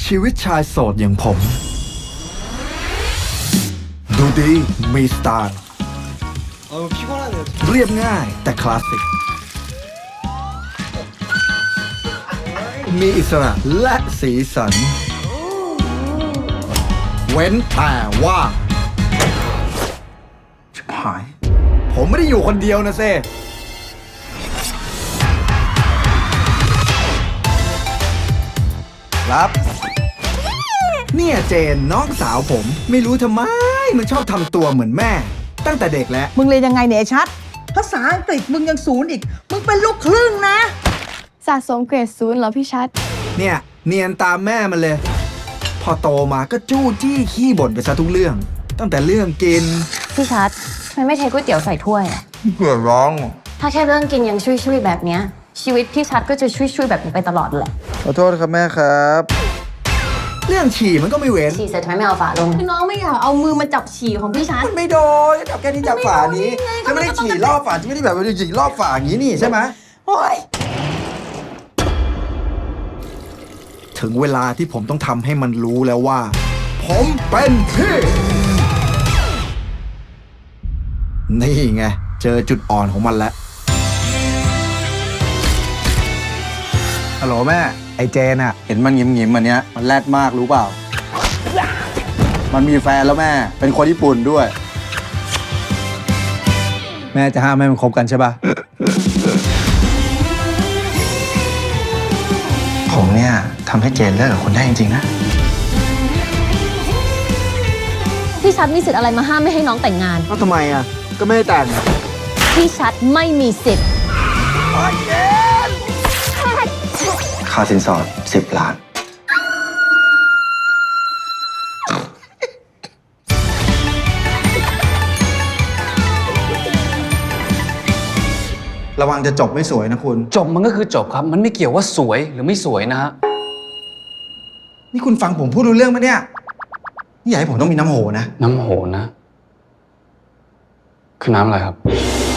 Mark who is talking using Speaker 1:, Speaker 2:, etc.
Speaker 1: ชีวิตชายโสดอย่างผม ดูดีมีสไตล์
Speaker 2: 피곤하네요.
Speaker 1: เรียบง่ายแต่คลาสสิก มีอิสระและสีสัน เว้นแต่ว่าชิบหาย ผมไม่ได้อยู่คนเดียวนะเซ่ครับ เนี่ยเจนน้องสาวผม ไม่รู้ทำไม มันชอบทำตัวเหมือนแม่ ตั้งแต่เด็กแล้ว
Speaker 3: มึงเรียนยังไงเนี่ยไอ้ชัด ภาษาอังกฤษมึงยังศูนย์อีก มึงเป็นลูกครึ่งนะ
Speaker 4: สะสมเกรด0เหรอพี่ชัด
Speaker 1: เนี่ย เนียนตามแม่มันเลย พอโตมาก็จู้จี้ขี้บ่นไปซะทุกเรื่อง ตั้งแต่เรื่องกิน
Speaker 5: พี่ชัดทำไมไม่เทก๋วยเตี๋ยวใส่ถ้วยอะ
Speaker 1: เผื่อร้อง
Speaker 5: ถ้าแค่เรื่องกินยังช่วยๆแบบเนี้ยชีวิตพี่ชัดก็จะช่วยๆแบบนี้ไปตลอดแหละ
Speaker 1: ขอโทษครับแม่ครับ เรื่องฉี่มันก็ไม่เว้น
Speaker 5: ฉี่เสร็จทำไมไม่เอาฝาลง
Speaker 4: คือน้องไม่อยากเอามือมาจับฉี่ของพี่ชัด
Speaker 1: มันไม่โดนจับแค่นี้จับฝานี้จะไม่ได้ฉี่รอบฝาจะไม่ได้แบบว่าฉี่รอบฝาอย่างนี้นี่ใช่ไหม
Speaker 3: โอ้ย
Speaker 1: ถึงเวลาที่ผมต้องทำให้มันรู้แล้วว่า ผมเป็นพี่ นี่ไง เจอจุดอ่อนของมันแล้ว ฮัลโหลแม่ ไอเจนอะเห็นมันหงิมๆอันเนี้ยมันแรดมากรู้เปล่า มันมีแฟนแล้วแม่ เป็นคนญี่ปุ่นด้วย แม่จะห้ามให้มันคบกันใช่ปะ
Speaker 6: ผมเนี่ยทำให้เจนเลิกกับคุณได้จริงๆนะ
Speaker 5: พี่ชัดมีสิทธิ์อะไรมาห้ามไม่ให้น้องแต่งงาน
Speaker 1: ก็ทำไมอะก็ไม่ได้แต่ง
Speaker 5: พี่ชัดไม่มีสิทธิ์
Speaker 6: ค่าสินสอด10 ล้าน
Speaker 1: ระวังจะจบไม่สวยนะคุณ
Speaker 7: จบมันก็คือจบครับ มันไม่เกี่ยวว่าสวยหรือไม่สวยนะฮะ
Speaker 1: นี่คุณฟังผมพูดรู้เรื่องปะเนี่ย นี่อยากให้ผมต้องมีน้ำโหนะ
Speaker 7: น้ำโหนะ คือน้ำอะไรครับ